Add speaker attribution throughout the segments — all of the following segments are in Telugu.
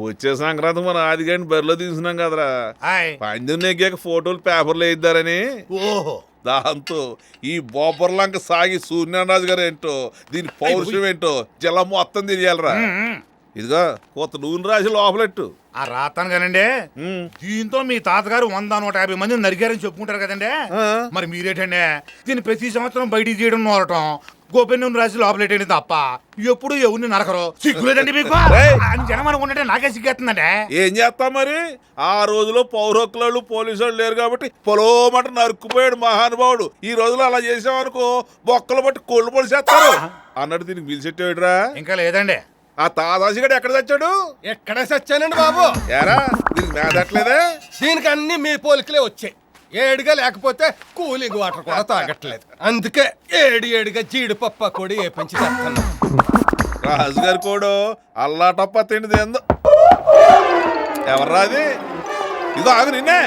Speaker 1: వచ్చే సంక్రాంతి మన ఆదిగాని బరిలో తీసుకున్నాం కదరా. పందెం నెగ్గాక ఫోటోలు పేపర్లు వేయిద్దారని.
Speaker 2: ఓహో,
Speaker 1: దాంతో ఈ బొబ్బర్లంక సాగి సూర్యనారాజు గారు ఏంటో, దీని పౌరుషం ఏంటో జిల్లా మొత్తం తెలియాలరా. ఇదిగో కొత్త నూనె రాసి లోపలెట్టు.
Speaker 2: ఆ రాతాను కానండి. దీంతో మీ తాతగారు 100-150 మందిని నరికారని చెప్పుకుంటారు కదండి. మరి మీరేటండి దీన్ని ప్రతి సంవత్సరం బయటికి తీయడం నోరటం, గోపెన్ రాసి లోపలేటండి తప్ప ఎప్పుడు ఎవరిని నరకరు. సిగ్గులేదండి మీకు అని జనం అనుకుంటే నాకే సిగ్గేస్తుందండి.
Speaker 1: ఏం చేస్తాం మరి? ఆ రోజులో పౌరకులు పోలీసు వాళ్ళు లేరు కాబట్టి పొలోమట నరుక్కుపోయాడు మహానుభావుడు. ఈ రోజులో అలా చేసామనుకో బొక్కలు బట్టి కోళ్ళు పొడి చేస్తారు అన్నట్టు దీనికి పిలిచెట్టేడురా.
Speaker 2: ఇంకా లేదండి.
Speaker 1: ఆ తాదాసిగడు ఎక్కడ చచ్చాడు?
Speaker 3: ఎక్కడ చచ్చానండి బాబు?
Speaker 1: ఏరా దీనికి మేదట్లేదే?
Speaker 3: దీనికి అన్ని మీ పోలికలే వచ్చాయి. ఏడుగా లేకపోతే కూలింగ్ వాటర్ కూడా తాగట్లేదు. అందుకే ఏడుగా జీడిపప్పు కూడా ఏ పెంచి తెస్తాను.
Speaker 1: రాజుగారి కోడు అల్లాటప్ప తిండిది ఎందు. ఎవర్రా అది? ఇదో ఆగు నిన్నే.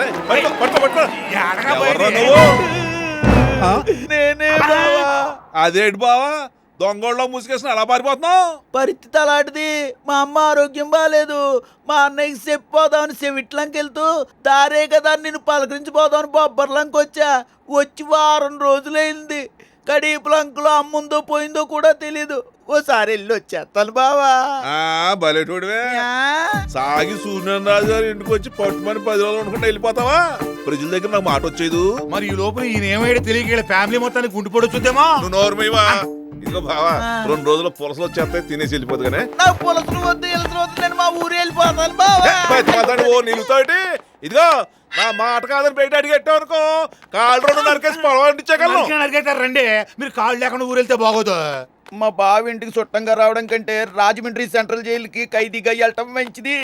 Speaker 4: నేనే బావా.
Speaker 1: అదేంటి బావా దొంగోళ్ళలో ముసుగేసిన అలా పారిపోతున్నావు?
Speaker 4: పరిస్థితి అలాంటిది. మా అమ్మ ఆరోగ్యం బాగాలేదు. మా అన్నయ్యకి చెప్పిపోదామని చెవిట్లంకి వెళ్తూ దారే కదా నిన్ను పలకరించిపోదామని బొబ్బర్లంకి వచ్చా. వచ్చి వారం రోజులైంది. కడీపులంకలో అమ్ముందో పోయిందో కూడా తెలీదు. ఓసారి వెళ్ళి వచ్చేస్తాను బావా.
Speaker 1: బలేటోడివే. సాగి సూర్యనారాజు గారు ఇంటికి వచ్చి పట్టుమని 10 రోజులు అనుకుంటా వెళ్ళిపోతావా? ప్రజల దగ్గర నాకు మాట వచ్చేది.
Speaker 2: మరి ఈ లోపల ఈయన ఏమైనా తెలియక ఫ్యామిలీ మొత్తానికి గుంటు చూద్దామా?
Speaker 1: నువ్వు నోరుమేవా? ఇదిగో బావా 2 రోజుల్లో పులసలు వచ్చేస్తాయి, తినేసి వెళ్ళిపోదు కానీ.
Speaker 4: నాకు పులసలు వద్దు వెళ్తున్న వద్దు, నేను మా ఊరు వెళ్ళిపోతాను బావా.
Speaker 1: ఓ నిలుతాటి. ఇదిగో నా మాట కాదని బయట అడిగెట్టావు అనుకో కాళ్ళు 2 నరికేసి పొలం అంటించగలను.
Speaker 2: నరికేస్తారు రండి. మీరు కాళ్ళు లేకుండా ఊరు వెళ్తే బాగోదు.
Speaker 4: మా బావ ఇంటికి చుట్టంగా రావడం కంటే రాజమండ్రి సెంట్రల్ జైలుకి ఖైదీగా వెళ్ళటం మంచిది.